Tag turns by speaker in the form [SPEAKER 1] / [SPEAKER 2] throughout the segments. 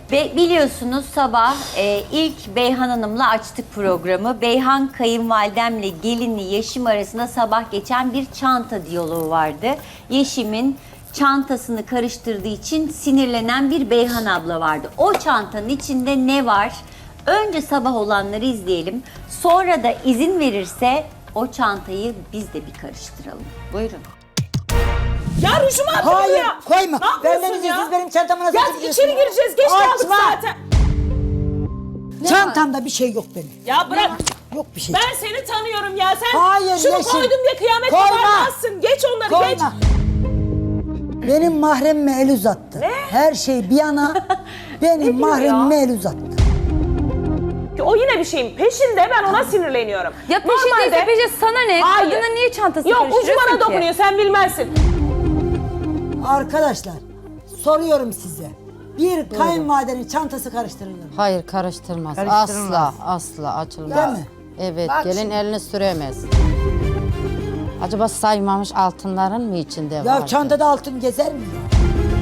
[SPEAKER 1] Biliyorsunuz sabah ilk Beyhan Hanım'la açtık programı. Beyhan kayınvalidemle gelini Yeşim arasında sabah geçen bir çanta diyaloğu vardı. Yeşim'in çantasını karıştırdığı için sinirlenen bir Beyhan abla vardı. O çantanın içinde ne var? Önce sabah olanları izleyelim. Sonra da izin verirse o çantayı biz de bir karıştıralım. Buyurun.
[SPEAKER 2] Ya rujumu attın
[SPEAKER 3] Hayır,
[SPEAKER 2] buraya.
[SPEAKER 3] koyma.
[SPEAKER 2] Ne yapıyorsun
[SPEAKER 3] Benden
[SPEAKER 2] ya?
[SPEAKER 3] izinsiz benim çantama nasıl
[SPEAKER 2] Ya
[SPEAKER 3] atıyorsun?
[SPEAKER 2] içeri gireceğiz. Geç kaldık
[SPEAKER 3] Açma.
[SPEAKER 2] zaten.
[SPEAKER 3] Çantamda bir şey yok benim.
[SPEAKER 2] Ya bırak.
[SPEAKER 3] Yok bir şey.
[SPEAKER 2] Ben seni tanıyorum ya. Sen
[SPEAKER 3] Hayır,
[SPEAKER 2] şunu
[SPEAKER 3] Yeşim.
[SPEAKER 2] koydum diye kıyamet
[SPEAKER 3] Koyma.
[SPEAKER 2] koparmazsın. Geç onları geç.
[SPEAKER 3] Koyma. Benim mahremime el uzattı.
[SPEAKER 2] Ne?
[SPEAKER 3] Her şey bir yana benim
[SPEAKER 2] diyor
[SPEAKER 3] mahremime
[SPEAKER 2] ya?
[SPEAKER 3] el uzattı.
[SPEAKER 2] O yine bir şeyin peşinde, ben ona sinirleniyorum.
[SPEAKER 4] Ya peşindeyse peşinde sana ne?
[SPEAKER 2] Hayır.
[SPEAKER 4] Kadına niye çantası
[SPEAKER 2] Yok, ucu
[SPEAKER 4] karıştırıyorsun
[SPEAKER 2] bana
[SPEAKER 4] ki?
[SPEAKER 2] dokunuyor, sen bilmezsin.
[SPEAKER 3] Arkadaşlar soruyorum size. Bir kayınvalidenin çantası karıştırılır mı?
[SPEAKER 5] Hayır karıştırmaz.
[SPEAKER 3] Karıştırılmaz.
[SPEAKER 5] Asla açılmaz.
[SPEAKER 3] Değil mi?
[SPEAKER 5] Evet
[SPEAKER 3] Bak
[SPEAKER 5] gelin
[SPEAKER 3] şimdi.
[SPEAKER 5] elini süremez. Acaba saymamış altınların mı içinde var?
[SPEAKER 3] Ya çantada altın gezer mi ya?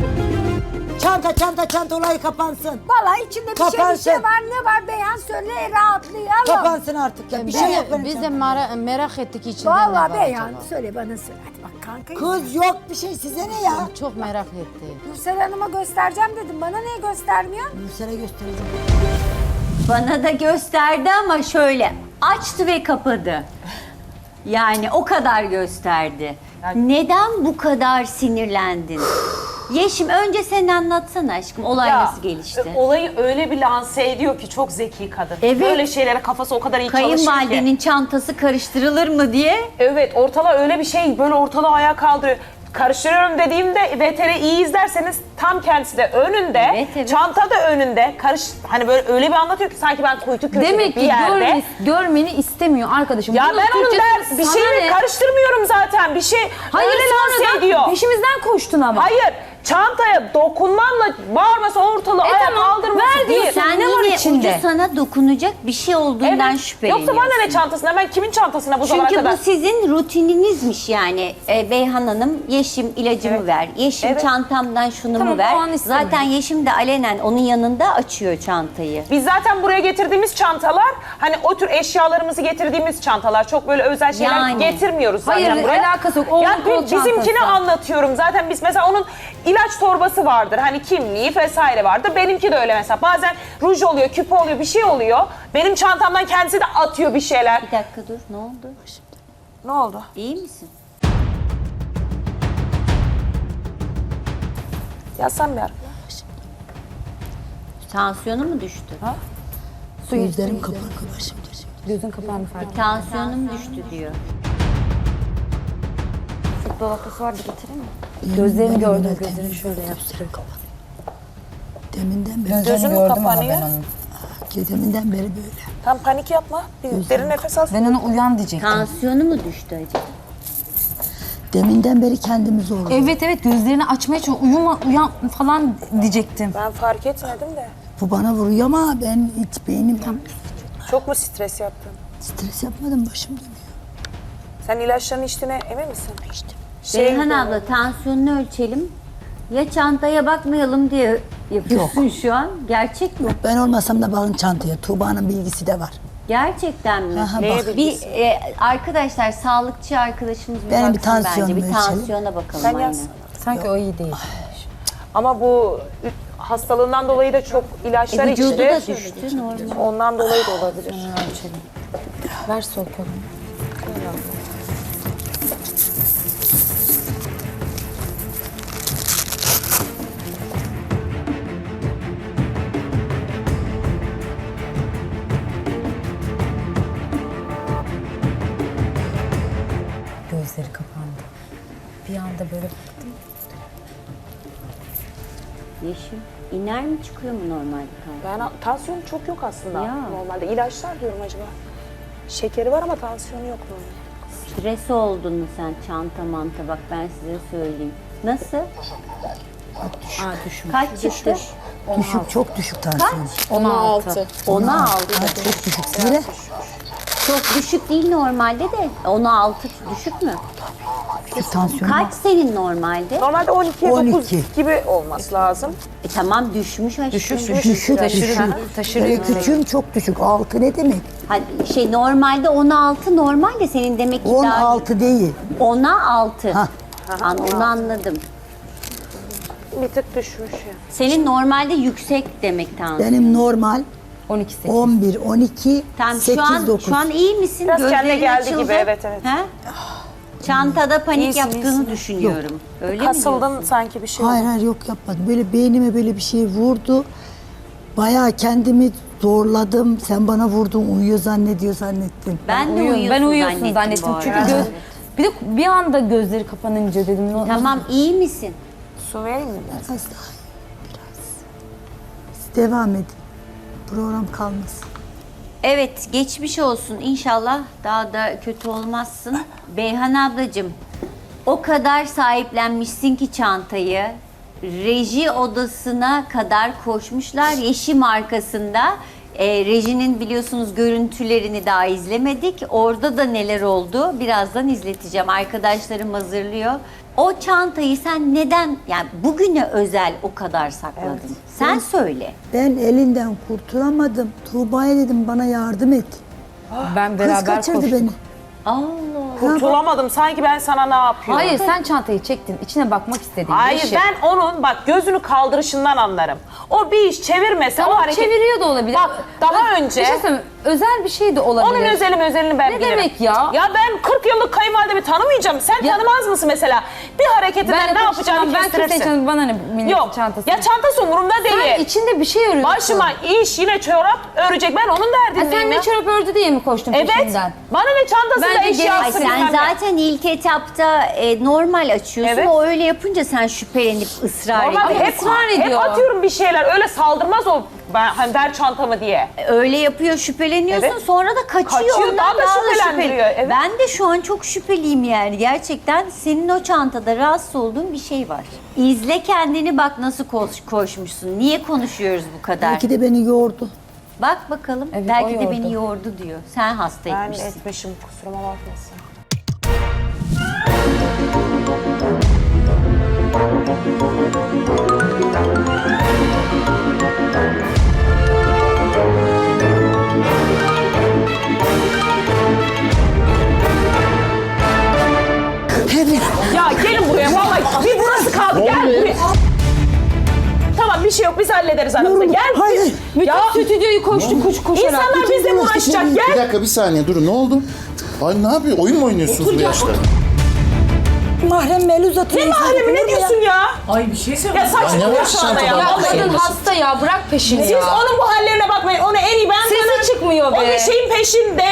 [SPEAKER 3] Çanta olayı kapansın.
[SPEAKER 6] Valla içinde bir
[SPEAKER 3] Kapansın.
[SPEAKER 6] şey var. Ne var Beyhan söyle rahatlayalım.
[SPEAKER 3] Kapansın artık ya. Bir şey yok benim
[SPEAKER 5] Biz de
[SPEAKER 3] çantamda.
[SPEAKER 5] merak ettik içinde ne
[SPEAKER 6] Valla
[SPEAKER 5] var
[SPEAKER 6] Beyhan
[SPEAKER 5] acaba?
[SPEAKER 6] söyle bana söyle. Hadi bak kanka.
[SPEAKER 3] Kız yok bir şey size ne ya?
[SPEAKER 5] Çok merak etti.
[SPEAKER 6] Nursel Hanım'a göstereceğim dedim. Bana niye göstermiyor?
[SPEAKER 3] Nursel'e göstereceğim.
[SPEAKER 1] Bana da gösterdi ama şöyle açtı ve kapadı. Yani o kadar gösterdi. Neden bu kadar sinirlendin? Yeşim önce sen anlatsana aşkım. Olay nasıl gelişti?
[SPEAKER 2] Olayı öyle bir lanse ediyor ki çok zeki kadın.
[SPEAKER 1] Evet.
[SPEAKER 2] Böyle şeylere kafası o kadar iyi çalışıyor ki.
[SPEAKER 1] Kayınvalidenin çantası karıştırılır mı diye.
[SPEAKER 2] Evet, ortalığı öyle bir şey, böyle ortalığı ayağa kaldırıyor. Karıştırıyorum dediğimde VTR iyi izlerseniz tam kendisi de önünde,
[SPEAKER 1] Evet, evet.
[SPEAKER 2] çanta da önünde. Hani böyle öyle bir anlatıyor ki sanki ben kuytu köşede
[SPEAKER 4] Demek
[SPEAKER 2] bir
[SPEAKER 4] ki
[SPEAKER 2] yerde.
[SPEAKER 4] görmeni istemiyor arkadaşım.
[SPEAKER 2] Ya
[SPEAKER 4] Bunun
[SPEAKER 2] ben onun
[SPEAKER 4] Türkçesi
[SPEAKER 2] bir
[SPEAKER 4] sana
[SPEAKER 2] şeyini
[SPEAKER 4] ne?
[SPEAKER 2] karıştırmıyorum zaten. Bir şey
[SPEAKER 4] Hayır
[SPEAKER 2] öyle
[SPEAKER 4] sonra
[SPEAKER 2] lanse
[SPEAKER 4] da
[SPEAKER 2] ediyor.
[SPEAKER 4] peşimizden koştun ama.
[SPEAKER 2] Hayır, çantaya dokunmamla bağırması, ortalığı ayağa
[SPEAKER 4] tamam,
[SPEAKER 2] kaldırması
[SPEAKER 4] ver
[SPEAKER 2] değil.
[SPEAKER 4] diyorsun.
[SPEAKER 1] Sen
[SPEAKER 4] Ne var
[SPEAKER 1] yine
[SPEAKER 4] içinde?
[SPEAKER 1] ucu sana dokunacak bir şey olduğundan
[SPEAKER 2] Evet.
[SPEAKER 1] şüpheleniyorsun.
[SPEAKER 2] Yoksa bana ne çantasına? Ben kimin çantasına bu zamana
[SPEAKER 1] Çünkü
[SPEAKER 2] kadar?
[SPEAKER 1] bu sizin rutininizmiş yani. Beyhan Hanım, Yeşim ilacımı ver. Yeşim
[SPEAKER 2] Evet.
[SPEAKER 1] çantamdan şunu
[SPEAKER 4] Tamam,
[SPEAKER 1] mu ver.
[SPEAKER 4] o an istemiyorum.
[SPEAKER 1] Zaten Yeşim de alenen onun yanında açıyor çantayı.
[SPEAKER 2] Biz zaten buraya getirdiğimiz çantalar, hani o tür eşyalarımızı getirdiğimiz çantalar. Çok böyle özel şeyler
[SPEAKER 1] Yani.
[SPEAKER 2] getirmiyoruz zaten
[SPEAKER 4] Hayır,
[SPEAKER 2] buraya.
[SPEAKER 4] alakası yok. Oğlum, kol
[SPEAKER 2] bizimkini
[SPEAKER 4] çantası.
[SPEAKER 2] anlatıyorum. Zaten biz mesela onun ilaç torbası vardır. Hani kimliği vesaire vardır. Benimki de öyle mesela. Bazen ruj oluyor, küpe oluyor, bir şey oluyor. Benim çantamdan kendisi de atıyor bir şeyler.
[SPEAKER 1] Bir dakika dur, ne oldu?
[SPEAKER 2] Ne oldu?
[SPEAKER 1] İyi misin?
[SPEAKER 2] Yazsam bir ara.
[SPEAKER 1] Tansiyonu mu düştü?
[SPEAKER 3] Gözlerim kapandı başım.
[SPEAKER 4] Gözün kapağını fark et.
[SPEAKER 1] Tansiyonum düştü diyor.
[SPEAKER 4] Süt dolapası vardı getireyim mi? Gözlerini gördüm, gözlerini şöyle yaptım.
[SPEAKER 3] Deminden beri.
[SPEAKER 2] Gözünü kapanıyor.
[SPEAKER 3] Deminden beri böyle.
[SPEAKER 2] Tam panik yapma. Bir derin nefes al.
[SPEAKER 4] Ben ona uyan diyecektim.
[SPEAKER 1] Tansiyonu mu düştü acaba?
[SPEAKER 3] Deminden beri kendimi zorluyorum.
[SPEAKER 4] Evet gözlerini açmaya çalışıyor. Uyan falan diyecektim.
[SPEAKER 2] Ben fark etmedim de.
[SPEAKER 3] Bu bana vuruyor ama ben hiç beynim
[SPEAKER 2] Çok mu stres yaptın?
[SPEAKER 3] stres yapmadım başım dönüyor.
[SPEAKER 2] Sen ilaçlarını içtiğine emin misin?
[SPEAKER 3] İşte.
[SPEAKER 1] Beyhan abla tansiyonunu ölçelim. Ya çantaya bakmayalım diye yapıyorsun şu an. Gerçek mi?
[SPEAKER 3] Ben olmasam da bakın çantaya. Tuğba'nın bilgisi de var.
[SPEAKER 1] Gerçekten mi?
[SPEAKER 3] Aha,
[SPEAKER 2] Neye
[SPEAKER 3] bak.
[SPEAKER 1] Bir arkadaşlar sağlıkçı arkadaşımız bir
[SPEAKER 3] Benim bir
[SPEAKER 1] baksın bence.
[SPEAKER 3] tansiyonumu
[SPEAKER 1] Bir
[SPEAKER 3] ölçelim.
[SPEAKER 1] tansiyona bakalım
[SPEAKER 2] Sen
[SPEAKER 1] aynen.
[SPEAKER 2] yaz.
[SPEAKER 4] Sanki o iyi değil.
[SPEAKER 2] Ama bu hastalığından dolayı da çok ilaçlar
[SPEAKER 1] Vücudu
[SPEAKER 2] içti.
[SPEAKER 1] da düştü normal.
[SPEAKER 2] Ondan dolayı da olabilir.
[SPEAKER 4] Ver sol kolunu. Gözleri kapandı. Bir anda böyle baktım.
[SPEAKER 1] Yeşim iner mi çıkıyor mu normalde kan?
[SPEAKER 2] Ben tansiyonu çok yok aslında
[SPEAKER 1] Ya.
[SPEAKER 2] normalde. İlaçlar diyorum acaba. Şekeri var ama tansiyonu yok normalde.
[SPEAKER 1] Stres oldun mu sen çanta manta bak ben size söyleyeyim. Nasıl? Kaç çıktı?
[SPEAKER 3] Düşük, çok düşük tansiyon.
[SPEAKER 4] 16.
[SPEAKER 1] 16.
[SPEAKER 3] Çok düşük. Sire.
[SPEAKER 1] Çok düşük değil normalde de. 16 düşük mü?
[SPEAKER 7] Tansiyonum
[SPEAKER 1] Kaç senin normalde?
[SPEAKER 2] Normalde 12'ye 9
[SPEAKER 7] 12.
[SPEAKER 2] gibi olması lazım.
[SPEAKER 1] Tamam düşmüş aşkım.
[SPEAKER 7] düşük. Böyle küçüğüm çok düşük. 6 ne demek?
[SPEAKER 1] Hadi, normalde 16 normal de senin demek ki
[SPEAKER 7] 16 değil.
[SPEAKER 1] 10'a 6.
[SPEAKER 7] Hah.
[SPEAKER 1] Onu anladım.
[SPEAKER 2] Bir tık düşmüş ya.
[SPEAKER 1] Senin normalde yüksek demek tansiyon.
[SPEAKER 7] Benim normal
[SPEAKER 4] 12 8.
[SPEAKER 7] 11, 12,
[SPEAKER 1] Tamam,
[SPEAKER 7] 8, 9.
[SPEAKER 1] şu an iyi misin?
[SPEAKER 2] Biraz kendine
[SPEAKER 1] Gözlerin
[SPEAKER 2] geldi
[SPEAKER 1] açıldı.
[SPEAKER 2] gibi, evet.
[SPEAKER 1] Ha? Çantada panik
[SPEAKER 2] İyisin,
[SPEAKER 1] yaptığını
[SPEAKER 2] iyisin.
[SPEAKER 1] düşünüyorum. Öyle mi
[SPEAKER 2] Kasıldın
[SPEAKER 1] diyorsun?
[SPEAKER 2] sanki bir şey.
[SPEAKER 7] Hayır yok yapmadım. Böyle beynime böyle bir şey vurdu. Bayağı kendimi zorladım. Sen bana vurdun uyuyor zannettim.
[SPEAKER 1] Ben de
[SPEAKER 4] Ben uyuyorsun
[SPEAKER 1] bu
[SPEAKER 4] zannettim. Çünkü
[SPEAKER 1] arada.
[SPEAKER 4] bir de bir anda gözleri kapanınca dedim.
[SPEAKER 1] Tamam, iyi misin?
[SPEAKER 2] Su vereyim mi?
[SPEAKER 7] Biraz daha biraz. Siz devam edin. Program kalmasın.
[SPEAKER 1] Evet, geçmiş olsun. İnşallah daha da kötü olmazsın. Beyhan ablacığım, o kadar sahiplenmişsin ki çantayı. Reji odasına kadar koşmuşlar. Yeşim arkasında. Rejinin biliyorsunuz görüntülerini daha izlemedik. Orada da neler oldu birazdan izleteceğim. Arkadaşlarım hazırlıyor. O çantayı sen neden, yani bugüne özel o kadar sakladın? Sen söyle.
[SPEAKER 7] Ben elinden kurtulamadım. Tuğba'ya dedim bana yardım et.
[SPEAKER 4] Ben
[SPEAKER 7] Kız
[SPEAKER 4] beraber
[SPEAKER 7] kaçırdı
[SPEAKER 4] koştum.
[SPEAKER 7] beni.
[SPEAKER 1] Allah.
[SPEAKER 2] Kurtulamadım. Sanki ben sana ne yapıyorum?
[SPEAKER 4] Hayır sen çantayı çektin. İçine bakmak istedin.
[SPEAKER 2] Hayır
[SPEAKER 4] Yeşil.
[SPEAKER 2] ben onun bak gözünü kaldırışından anlarım. O bir iş çevirmese
[SPEAKER 4] Tamam,
[SPEAKER 2] o hareket...
[SPEAKER 4] çeviriyor da olabilir.
[SPEAKER 2] Bak daha önce...
[SPEAKER 4] Bir şey söyleyeyim, özel bir şey de olabilir.
[SPEAKER 2] Onun özelini ben
[SPEAKER 4] Ne
[SPEAKER 2] bilirim.
[SPEAKER 4] demek ya?
[SPEAKER 2] Ya ben 40 yıllık kayınvalidemi tanımayacağım. Sen tanımaz mısın mesela? Bir hareketinden ne yapacağını
[SPEAKER 4] ben
[SPEAKER 2] kestirirsin.
[SPEAKER 4] kimsenin çantası, bana ne milletin
[SPEAKER 2] Yok.
[SPEAKER 4] çantası.
[SPEAKER 2] Ya çantası umurumda değil.
[SPEAKER 4] Sen içinde bir şey arıyorsun.
[SPEAKER 2] Başıma iş yine çorap örecek. Ben onun
[SPEAKER 4] Ha,
[SPEAKER 2] derdindeyim
[SPEAKER 4] sen
[SPEAKER 2] ya.
[SPEAKER 4] ne çorap ördü diye mi koştun
[SPEAKER 2] Evet.
[SPEAKER 4] peşinden?
[SPEAKER 2] Bana ne çantasında
[SPEAKER 4] Bence
[SPEAKER 1] Ay,
[SPEAKER 2] eşyası
[SPEAKER 1] sen
[SPEAKER 2] bilmem ne.
[SPEAKER 1] zaten ilk etapta normal açıyorsun.
[SPEAKER 2] Evet.
[SPEAKER 1] O öyle yapınca sen şüphelenip ısrar
[SPEAKER 2] Normalde
[SPEAKER 1] ediyorsun.
[SPEAKER 2] hep,
[SPEAKER 4] ısrar
[SPEAKER 2] hep
[SPEAKER 4] ediyor.
[SPEAKER 2] atıyorum bir şeyler. Öyle saldırmaz o ben hani ver çantamı diye.
[SPEAKER 1] Öyle yapıyor, şüpheleniyorsun.
[SPEAKER 2] Evet.
[SPEAKER 1] Sonra da kaçıyor.
[SPEAKER 2] Kaçıyor,
[SPEAKER 1] ondan
[SPEAKER 2] daha da şüphelendiriyor, evet.
[SPEAKER 1] Ben de şu an çok şüpheliyim yani. Gerçekten senin o çantada rahatsız olduğun bir şey var. İzle kendini, bak nasıl koşmuşsun. Niye konuşuyoruz bu kadar?
[SPEAKER 7] Belki de beni yordu.
[SPEAKER 1] Bak bakalım.
[SPEAKER 4] Evet,
[SPEAKER 1] Belki
[SPEAKER 4] o
[SPEAKER 1] de
[SPEAKER 4] yordu.
[SPEAKER 1] beni yordu diyor. Sen hasta
[SPEAKER 2] Ben
[SPEAKER 1] etmişsin.
[SPEAKER 2] etmişim kusuruma bakmasın. Ya gelin buraya vallahi bir burası kaldı gel buraya. Tamam bir şey yok biz hallederiz aramızda gel.
[SPEAKER 7] Hayır.
[SPEAKER 2] Ya
[SPEAKER 4] Stüdyoyu koşarak.
[SPEAKER 2] insanlar bizle mi uğraşacak
[SPEAKER 8] Bir
[SPEAKER 2] gel.
[SPEAKER 8] dakika bir saniye durun ne oldu? Ay ne yapıyor? Oyun mu oynuyorsunuz bu yaşta?
[SPEAKER 7] Mahrem el uzatıyor.
[SPEAKER 2] Ne mahremi ne diyorsun ya?
[SPEAKER 9] Ay bir şey
[SPEAKER 2] Ya
[SPEAKER 9] söyleyeyim.
[SPEAKER 2] saçmalama
[SPEAKER 8] Ya ne var
[SPEAKER 2] şu anda ya.
[SPEAKER 8] çantada?
[SPEAKER 2] Vallahi.
[SPEAKER 4] Kadın hasta ya, bırak peşini
[SPEAKER 2] Siz
[SPEAKER 4] ya.
[SPEAKER 2] onun bu hallerine bakmayın. Onu en iyi ben
[SPEAKER 4] Sesi
[SPEAKER 2] tanırım.
[SPEAKER 4] çıkmıyor
[SPEAKER 2] O
[SPEAKER 4] be.
[SPEAKER 2] bir şeyin peşinde.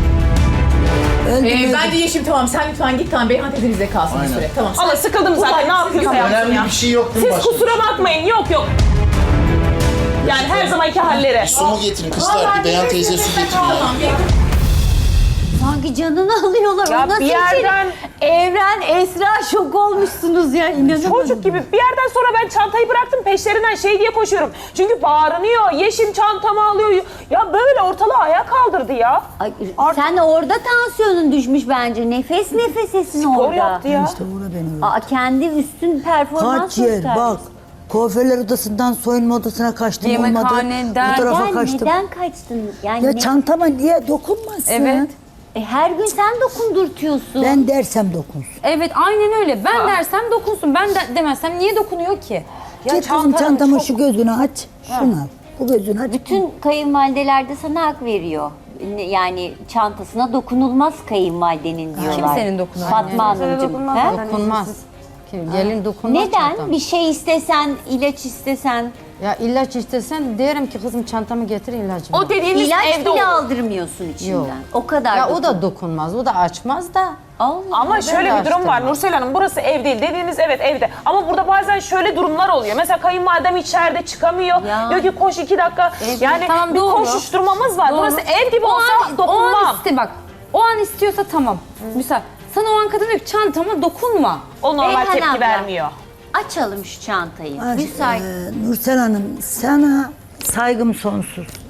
[SPEAKER 9] Bence Yeşim tamam sen lütfen git tamam Beyhan teyze bizde kalsın bir süre. Tamam.
[SPEAKER 2] Allah sıkıldım zaten ne yapıyorsa yapsın
[SPEAKER 8] Önemli
[SPEAKER 2] ya.
[SPEAKER 8] bir şey yok değil mi
[SPEAKER 2] Siz
[SPEAKER 8] başka?
[SPEAKER 2] kusura bakmayın yok. Yani her zamanki halleri.
[SPEAKER 8] Su mu getirin kızlar? Bir Beyhan teyze su getirin ya.
[SPEAKER 1] Sanki canını alıyorlar.
[SPEAKER 2] Ya
[SPEAKER 1] O nasıl
[SPEAKER 2] bir yerden-
[SPEAKER 1] Evren, Esra şok olmuşsunuz ya. İnanamadım.
[SPEAKER 2] Çocuk gibi bir yerden sonra ben çantayı bıraktım peşlerinden şey diye koşuyorum. Çünkü bağırınıyor. Yeşim çantamı alıyor. Ya böyle ortalığı ayağa kaldırdı ya.
[SPEAKER 1] Ay, sen orada tansiyonun düşmüş bence. Nefes nefesesin
[SPEAKER 2] Spor
[SPEAKER 1] orada.
[SPEAKER 2] yaptı ya.
[SPEAKER 7] İşte uğra beni yordu.
[SPEAKER 1] Aa, kendi üstün performans
[SPEAKER 7] Kaç yer
[SPEAKER 1] göstermiş.
[SPEAKER 7] bak. Kuaförler odasından soyunma odasına kaçtım olmadı.
[SPEAKER 4] Yemekhaneden-
[SPEAKER 7] Bu tarafa
[SPEAKER 1] Neden,
[SPEAKER 7] kaçtım.
[SPEAKER 1] neden kaçtın? Yani
[SPEAKER 7] Ya çantama niye dokunmasın?
[SPEAKER 4] Evet.
[SPEAKER 1] her gün sen dokundurtuyorsun.
[SPEAKER 7] Ben dersem dokunsun.
[SPEAKER 4] Evet aynen öyle. Ben dersem dokunsun. Ben de demezsem niye dokunuyor ki?
[SPEAKER 7] Git kızım çantamı şu gözünü aç. Şunu al. Bu gözünü aç.
[SPEAKER 1] Bütün kayınvalideler de sana hak veriyor. Yani çantasına dokunulmaz kayınvalidenin diyorlar.
[SPEAKER 4] Kimsenin dokunan
[SPEAKER 1] Fatma
[SPEAKER 4] yani.
[SPEAKER 1] Hanımcığım. he?
[SPEAKER 5] Dokunmaz. Gelin dokunmaz
[SPEAKER 1] Neden?
[SPEAKER 5] çantama.
[SPEAKER 1] Bir şey istesen, ilaç istesen,
[SPEAKER 5] Ya ilaç istesen derim ki kızım çantamı getir ilacımı.
[SPEAKER 2] O dediğiniz
[SPEAKER 1] ilaç
[SPEAKER 2] evde
[SPEAKER 1] bile
[SPEAKER 2] olur.
[SPEAKER 1] aldırmıyorsun içinden.
[SPEAKER 5] Yok.
[SPEAKER 1] O kadar.
[SPEAKER 5] Ya o da dokunmaz, o da açmaz da.
[SPEAKER 1] Allah.
[SPEAKER 2] Ama şöyle bir durum var Nursel Hanım burası ev değil dediğiniz evet evde ama burada bazen şöyle durumlar oluyor. Mesela kayınvalidem içeride çıkamıyor.
[SPEAKER 1] Ya.
[SPEAKER 2] Diyor ki koş 2 dakika. Yani
[SPEAKER 4] Tamam,
[SPEAKER 2] bir
[SPEAKER 4] doğru.
[SPEAKER 2] koşuşturmamız var.
[SPEAKER 4] Doğru.
[SPEAKER 2] Burası ev gibi
[SPEAKER 4] O
[SPEAKER 2] olsa
[SPEAKER 4] an
[SPEAKER 2] dokunmam.
[SPEAKER 4] bak. O an istiyorsa tamam. Mesela sana o an kadın diyor ki çantama dokunma.
[SPEAKER 2] O normal
[SPEAKER 1] Beyhan
[SPEAKER 2] tepki
[SPEAKER 1] abla.
[SPEAKER 2] vermiyor.
[SPEAKER 1] Açalım şu çantayı.
[SPEAKER 7] Ay,
[SPEAKER 1] Müsait.
[SPEAKER 7] Nursel Hanım sana saygım sonsuz.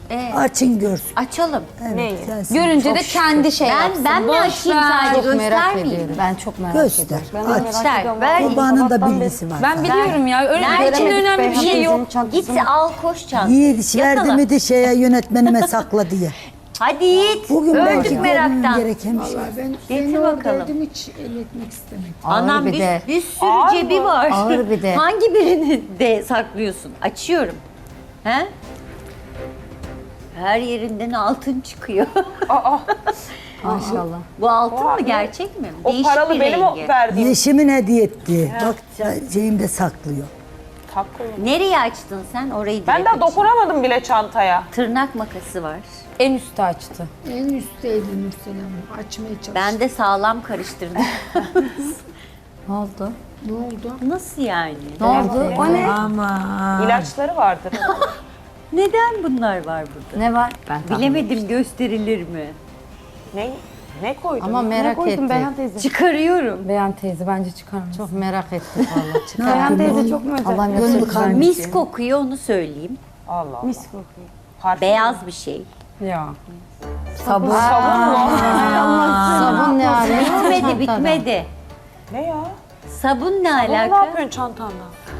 [SPEAKER 7] Açın görsün.
[SPEAKER 1] Açalım.
[SPEAKER 2] Neyi?
[SPEAKER 7] Sensin.
[SPEAKER 4] Görünce de kendi şey yapsın.
[SPEAKER 1] Ben mi
[SPEAKER 4] Boş
[SPEAKER 1] açayım
[SPEAKER 4] ver.
[SPEAKER 1] sadece,
[SPEAKER 5] Çok merak
[SPEAKER 1] göstermeyeyim?
[SPEAKER 5] ediyorum.
[SPEAKER 4] Ben çok merak
[SPEAKER 7] Göster.
[SPEAKER 4] ediyorum.
[SPEAKER 7] Aç.
[SPEAKER 1] Göster. Ver.
[SPEAKER 7] Babanın da bilgisi var.
[SPEAKER 4] Ben biliyorum ya. Öyle
[SPEAKER 1] Nerede?
[SPEAKER 4] içinde önemli bir şey yok.
[SPEAKER 1] Git al koş çantayı.
[SPEAKER 7] Yiğit verdi mi de şeye yönetmenime sakla diye.
[SPEAKER 1] Hadi Yiğit.
[SPEAKER 7] Bugün belki
[SPEAKER 1] Öldük
[SPEAKER 7] görmem
[SPEAKER 1] meraktan.
[SPEAKER 7] gereken bir şey.
[SPEAKER 1] Getir bakalım.
[SPEAKER 6] hiç el etmek istemedim.
[SPEAKER 1] Anam
[SPEAKER 5] bir de.
[SPEAKER 1] bir sürü cebi var.
[SPEAKER 5] Ağır bir de.
[SPEAKER 1] Hangi birini de saklıyorsun? Açıyorum. He? Her yerinden altın çıkıyor.
[SPEAKER 4] Maşallah.
[SPEAKER 1] Bu altın mı, gerçek mi?
[SPEAKER 2] O
[SPEAKER 1] Değişik
[SPEAKER 2] paralı
[SPEAKER 1] bir
[SPEAKER 2] benim o
[SPEAKER 1] rengi.
[SPEAKER 2] verdiğim.
[SPEAKER 7] Yeşimin hediye etti. Bak şeyimde saklıyor.
[SPEAKER 2] Takılı.
[SPEAKER 1] Nereye açtın sen? Orayı
[SPEAKER 2] Ben
[SPEAKER 1] direkt
[SPEAKER 2] daha
[SPEAKER 1] aç.
[SPEAKER 2] dokunamadım bile çantaya.
[SPEAKER 1] Tırnak makası var.
[SPEAKER 4] En üstü açtı.
[SPEAKER 6] En üstteydi Nursel Hanım. Açmaya çalıştım.
[SPEAKER 1] Ben de sağlam karıştırdım.
[SPEAKER 4] Ne oldu?
[SPEAKER 6] Ne oldu?
[SPEAKER 1] Nasıl yani?
[SPEAKER 4] Ne oldu? O ne?
[SPEAKER 2] İlaçları vardır.
[SPEAKER 1] Neden bunlar var burada?
[SPEAKER 4] Ne var? Ben
[SPEAKER 1] Bilemedim, gösterilir mi?
[SPEAKER 2] Ne koydun?
[SPEAKER 5] Ama merak ettim.
[SPEAKER 4] teyze.
[SPEAKER 1] Çıkarıyorum.
[SPEAKER 4] Beyan teyze bence çıkarmış.
[SPEAKER 5] Çok merak ettim valla.
[SPEAKER 4] Beyan teyze çok mu özel? Allah'ım
[SPEAKER 7] Gönlü
[SPEAKER 4] yapacak
[SPEAKER 7] kalmış.
[SPEAKER 1] Mis kokuyor, onu söyleyeyim.
[SPEAKER 2] Allah Allah.
[SPEAKER 4] Mis kokuyor.
[SPEAKER 2] Parfüm.
[SPEAKER 1] Beyaz bir şey.
[SPEAKER 4] Ya.
[SPEAKER 2] Sabun mu?
[SPEAKER 5] Sabun ne arıyor?
[SPEAKER 1] Bitmedi, bitmedi.
[SPEAKER 2] Ne ya?
[SPEAKER 1] Sabun ne
[SPEAKER 2] Bunu ne
[SPEAKER 1] alaka?
[SPEAKER 2] yapıyorsun çantanda?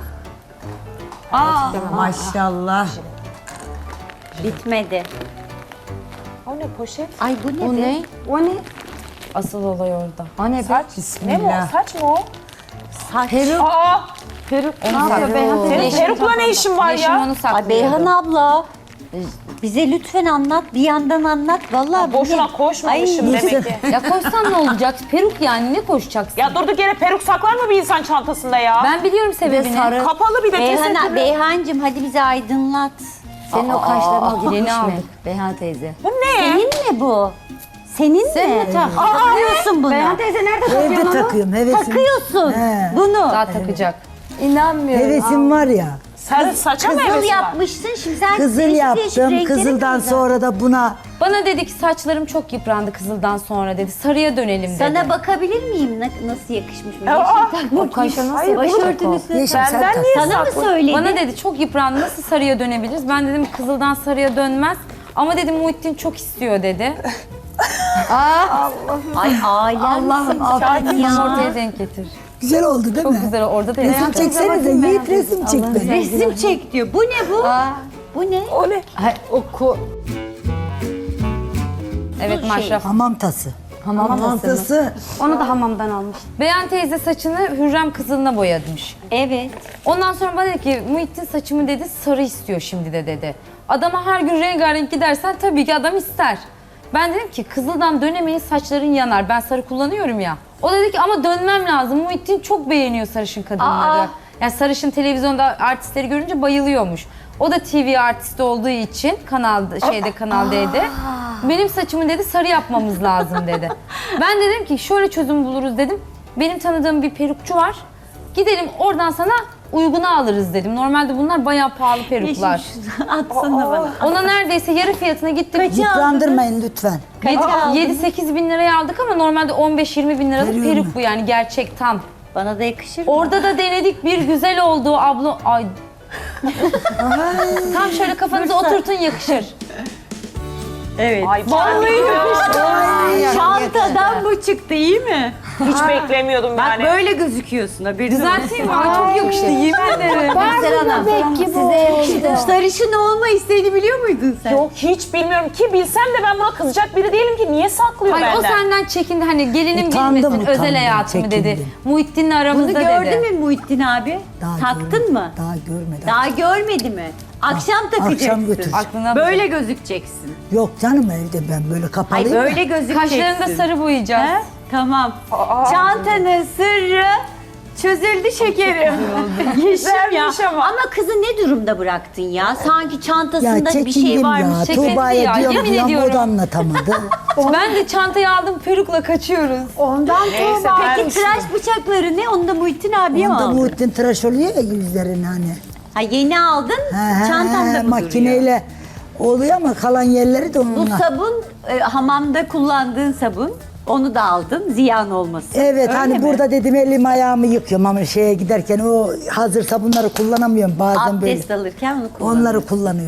[SPEAKER 7] Maşallah.
[SPEAKER 1] Bitmedi.
[SPEAKER 2] O ne poşet?
[SPEAKER 1] Ay bu ne
[SPEAKER 5] O
[SPEAKER 1] be?
[SPEAKER 5] ne?
[SPEAKER 4] O ne? Asıl olay orada. O ne be?
[SPEAKER 2] Saç. Ne mi o? Saç mı o?
[SPEAKER 1] Saç.
[SPEAKER 2] Aa!
[SPEAKER 4] Peruk. Ne yapıyor Beyhan teyze?
[SPEAKER 2] Senin perukla ne işin var
[SPEAKER 4] Yeşim
[SPEAKER 2] ya?
[SPEAKER 4] onu saklıyordu.
[SPEAKER 1] Ay Beyhan abla. Bize lütfen anlat, bir yandan anlat. Vallahi bu
[SPEAKER 2] Boşuna
[SPEAKER 1] ne?
[SPEAKER 2] koşmamışım
[SPEAKER 1] Ay,
[SPEAKER 2] demek ki.
[SPEAKER 4] Ya koşsan ne olacak? Peruk yani ne koşacaksın?
[SPEAKER 2] Ya durduk yere peruk saklar mı bir insan çantasında ya?
[SPEAKER 4] Ben biliyorum sebebini.
[SPEAKER 2] Kapalı bir de tesettürlü.
[SPEAKER 1] Beyhancığım hadi bize aydınlat.
[SPEAKER 5] Senin o kaşlarına
[SPEAKER 4] Yeni
[SPEAKER 5] girmiş mi?
[SPEAKER 4] aldık.
[SPEAKER 5] Beyhan teyze.
[SPEAKER 2] Bu ne?
[SPEAKER 1] Senin mi bu? Senin
[SPEAKER 5] Sen
[SPEAKER 1] mi?
[SPEAKER 5] mi tak?
[SPEAKER 1] Takıyorsun bunu.
[SPEAKER 4] teyze nerede
[SPEAKER 7] Evde takıyorum hevesim.
[SPEAKER 1] Takıyorsun
[SPEAKER 7] He.
[SPEAKER 1] bunu.
[SPEAKER 4] Daha takacak. İnanmıyorum.
[SPEAKER 7] Hevesim var ya.
[SPEAKER 2] Sarı saça mı
[SPEAKER 1] Kızıl
[SPEAKER 2] hevesi var?
[SPEAKER 1] yapmışsın, şimdi sen
[SPEAKER 7] Kızıl
[SPEAKER 1] değişik
[SPEAKER 7] yaptım.
[SPEAKER 1] renkleri
[SPEAKER 7] Kızıldan
[SPEAKER 1] mi
[SPEAKER 7] sonra da buna
[SPEAKER 4] Bana dedi ki saçlarım çok yıprandı kızıldan sonra dedi. Sarıya dönelim dedi.
[SPEAKER 1] Sana bakabilir miyim nasıl yakışmış mı?
[SPEAKER 2] Aa,
[SPEAKER 1] Yeşil takmak.
[SPEAKER 4] o kaşa nasıl
[SPEAKER 2] Hayır,
[SPEAKER 1] Başörtünüsü.
[SPEAKER 7] yeşil sen
[SPEAKER 2] Benden
[SPEAKER 7] tak.
[SPEAKER 2] niye
[SPEAKER 1] Sana mı söyledi?
[SPEAKER 4] Bana dedi çok yıprandı nasıl sarıya dönebiliriz? Ben dedim kızıldan sarıya dönmez. Ama dedim Muhittin çok istiyor dedi.
[SPEAKER 1] Ay ailem.
[SPEAKER 4] Allah'ım
[SPEAKER 1] affet ya.
[SPEAKER 4] ortaya denk getir.
[SPEAKER 7] Güzel oldu değil
[SPEAKER 4] Çok
[SPEAKER 7] mi?
[SPEAKER 4] güzel orada da
[SPEAKER 7] Resim çeksenize. Yiğit resim çek beni.
[SPEAKER 1] Resim çek diyor. Bu ne bu? Bu ne?
[SPEAKER 2] O ne?
[SPEAKER 4] Evet
[SPEAKER 1] şey.
[SPEAKER 4] maşraf.
[SPEAKER 7] Hamam tası.
[SPEAKER 4] Hamam
[SPEAKER 7] Tası.
[SPEAKER 4] Onu da hamamdan almış. Beyan teyze saçını Hürrem kızılına boyamış.
[SPEAKER 1] Evet.
[SPEAKER 4] Ondan sonra bana dedi ki Muhittin saçımı dedi sarı istiyor şimdi de dedi. Adama her gün rengarenk gidersen tabii ki adam ister. Ben dedim ki kızıldan dönemeyin saçların yanar. Ben sarı kullanıyorum ya. O dedi ki ama dönmem lazım. Muhittin çok beğeniyor sarışın kadınları. Yani sarışın televizyonda artistleri görünce bayılıyormuş. O da TV artisti olduğu için Kanal D'de benim saçımı dedi sarı yapmamız lazım dedi. Ben dedim ki şöyle çözüm buluruz dedim. Benim tanıdığım bir perukçu var. Gidelim oradan sana uyguna alırız dedim. Normalde bunlar bayağı pahalı peruklar.
[SPEAKER 1] Atsana bana.
[SPEAKER 4] Ona neredeyse yarı fiyatına gittim.
[SPEAKER 7] Yıprandırmayın lütfen.
[SPEAKER 4] 7-8 bin liraya aldık ama normalde 15-20 bin liralık
[SPEAKER 7] Veriyor
[SPEAKER 4] peruk
[SPEAKER 7] mu?
[SPEAKER 4] bu yani gerçek tam.
[SPEAKER 1] Bana da yakışır mı?
[SPEAKER 4] Orada da denedik bir güzel oldu abla. Ay. Tam şöyle kafanıza oturtun yakışır.
[SPEAKER 1] Evet.
[SPEAKER 2] Ay vallahi
[SPEAKER 1] Çantadan bu çıktı, iyi mi?
[SPEAKER 2] hiç beklemiyordum
[SPEAKER 1] Bak
[SPEAKER 2] yani.
[SPEAKER 1] böyle gözüküyorsun, haberin olsun.
[SPEAKER 4] Düzelteyim mi? Ay çok yakıştı yemin ederim.
[SPEAKER 5] Size yakıştı.
[SPEAKER 1] Sarışın olma isteğini biliyor muydun sen?
[SPEAKER 2] Yok hiç bilmiyorum ki bilsem de ben buna kızacak biri değilim ki niye saklıyor
[SPEAKER 4] Hayır o
[SPEAKER 2] benden?
[SPEAKER 4] senden çekindi hani gelinim
[SPEAKER 7] Utandım,
[SPEAKER 4] bilmesin özel
[SPEAKER 7] utandım,
[SPEAKER 4] hayatımı dedi.
[SPEAKER 7] çekindim.
[SPEAKER 4] Muhittin'le
[SPEAKER 1] Bunu
[SPEAKER 4] aramızda
[SPEAKER 1] gördü
[SPEAKER 4] dedi.
[SPEAKER 1] mü Muhittin abi? Taktın mı?
[SPEAKER 7] Daha görmedi.
[SPEAKER 1] Daha görmedi mi? Akşam takacaksın.
[SPEAKER 7] Akşam götür.
[SPEAKER 4] Aklına
[SPEAKER 1] Böyle gözükeceksin.
[SPEAKER 7] Yok canım evde ben böyle
[SPEAKER 1] Ay
[SPEAKER 7] kapalıyım.
[SPEAKER 1] böyle gözükeceksin.
[SPEAKER 4] Kaşlarını da sarı boyayacağız.
[SPEAKER 1] He? Tamam. Çantanın sırrı çözüldü şekerim. Yeşim ya. Ama kızı ne durumda bıraktın ya? Sanki
[SPEAKER 7] Ya
[SPEAKER 1] çantasında bir
[SPEAKER 7] çekindim
[SPEAKER 1] şey
[SPEAKER 7] ya.
[SPEAKER 1] varmış.
[SPEAKER 4] çekindi
[SPEAKER 7] Tuğba'ya
[SPEAKER 4] ya,
[SPEAKER 7] diyorum
[SPEAKER 4] yemin
[SPEAKER 7] ya o
[SPEAKER 4] ediyorum.
[SPEAKER 7] da anlatamadı.
[SPEAKER 4] Ben de çantayı aldım perukla kaçıyoruz.
[SPEAKER 6] Ondan
[SPEAKER 2] Neyse,
[SPEAKER 6] Tuğba.
[SPEAKER 2] ben-
[SPEAKER 1] Peki tıraş bıçakları ne? Onu da Muhittin abiye mi
[SPEAKER 7] Onda
[SPEAKER 1] aldın?
[SPEAKER 7] Muhittin tıraş oluyor ya yüzlerini hani.
[SPEAKER 1] Ha yeni aldın, çantanda mı duruyor?
[SPEAKER 7] makineyle oluyor ama kalan yerleri de
[SPEAKER 1] Bu
[SPEAKER 7] onunla.
[SPEAKER 1] sabun, hamamda kullandığın sabun. Onu da aldın, ziyan olmasın.
[SPEAKER 7] Evet
[SPEAKER 1] Öyle
[SPEAKER 7] hani
[SPEAKER 1] mi?
[SPEAKER 7] burada dedim elim ayağımı yıkıyorum ama şeye giderken o hazır sabunları kullanamıyorum bazen böyle.
[SPEAKER 1] Abdest alırken onu kullan.
[SPEAKER 7] Onları kullanıyorum.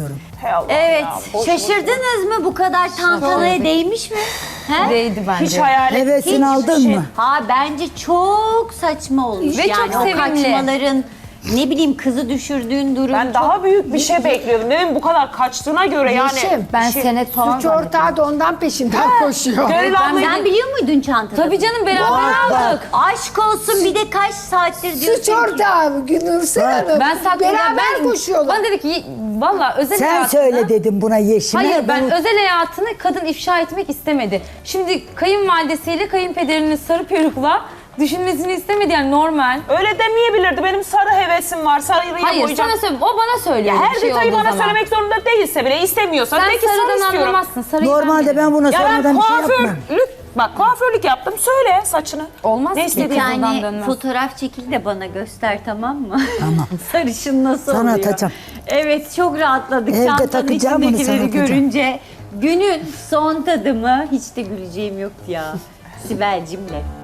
[SPEAKER 2] Hay Allah
[SPEAKER 1] Evet,
[SPEAKER 2] ya, boş
[SPEAKER 1] şaşırdınız mı? Bu kadar tantanaya değmiş mi? He?
[SPEAKER 4] Değdi bence.
[SPEAKER 2] Hiç hayal et.
[SPEAKER 3] Hevesini
[SPEAKER 1] Hiç
[SPEAKER 3] aldın mı?
[SPEAKER 1] Ha bence çok saçma olmuş.
[SPEAKER 4] Ve
[SPEAKER 1] yani
[SPEAKER 4] çok
[SPEAKER 1] o
[SPEAKER 4] sevimli.
[SPEAKER 1] kaçmaların, ne bileyim kızı düşürdüğün durum.
[SPEAKER 2] Ben
[SPEAKER 1] çok...
[SPEAKER 2] daha büyük bir şey bekliyordum. Dedim bu kadar kaçtığına göre yani.
[SPEAKER 6] Yeşim,
[SPEAKER 4] Ben
[SPEAKER 2] şey-
[SPEAKER 4] senet falan
[SPEAKER 6] Suç ortağı da ondan peşinden koşuyor.
[SPEAKER 2] Gönül ablayı
[SPEAKER 1] Sen biliyor muydun çantada?
[SPEAKER 4] Tabii canım beraber aldık.
[SPEAKER 1] Aşk olsun, bir de kaç saattir diyorsun
[SPEAKER 6] Suç
[SPEAKER 1] ki-
[SPEAKER 6] ortağı Nursel Hanım.
[SPEAKER 4] Ben saklayacağım.
[SPEAKER 6] Beraber koşuyorlar.
[SPEAKER 4] Bana dedi ki valla özel
[SPEAKER 3] Sen
[SPEAKER 4] hayatını...
[SPEAKER 3] söyle dedim buna Yeşim'e.
[SPEAKER 4] Hayır ben
[SPEAKER 3] bunu-
[SPEAKER 4] özel hayatını kadın ifşa etmek istemedi. Şimdi kayınvalidesiyle kayınpederinin sarı perukla düşünmesini istemedi yani normal.
[SPEAKER 2] öyle demeyebilirdi. Benim sarı hevesim var. Sarıyı
[SPEAKER 4] Hayır
[SPEAKER 2] boyayacağım.
[SPEAKER 4] sana söyle, o bana söylüyor.
[SPEAKER 2] Her
[SPEAKER 4] bir şey
[SPEAKER 2] detayı
[SPEAKER 4] olduğu
[SPEAKER 2] bana
[SPEAKER 4] zaman.
[SPEAKER 2] söylemek zorunda değilse bile istemiyorsa
[SPEAKER 4] Sen
[SPEAKER 2] de ki sarı
[SPEAKER 4] sarıdan
[SPEAKER 2] istiyorum.
[SPEAKER 4] anlamazsın. Sarıyı
[SPEAKER 3] Normalde ben buna
[SPEAKER 2] Ya ben
[SPEAKER 3] sormadan bir şey yapmam.
[SPEAKER 2] kuaförlük yaptım. Söyle saçını.
[SPEAKER 4] Olmaz
[SPEAKER 2] Ne
[SPEAKER 4] ki.
[SPEAKER 2] istediğin
[SPEAKER 1] Bir
[SPEAKER 4] Kızıldan
[SPEAKER 1] tane
[SPEAKER 4] dönmez.
[SPEAKER 1] fotoğraf çekil de bana göster, tamam mı?
[SPEAKER 3] Tamam.
[SPEAKER 1] Sarışın nasıl
[SPEAKER 3] Sana
[SPEAKER 1] oluyor?
[SPEAKER 3] atacağım.
[SPEAKER 1] Evet, çok rahatladık
[SPEAKER 3] Evde
[SPEAKER 1] çantanın
[SPEAKER 3] takacağım bunu, sana
[SPEAKER 1] içindekileri
[SPEAKER 3] atacağım.
[SPEAKER 1] görünce. Günün son tadımı, hiç de güleceğim yoktu ya. Sibel'cimle.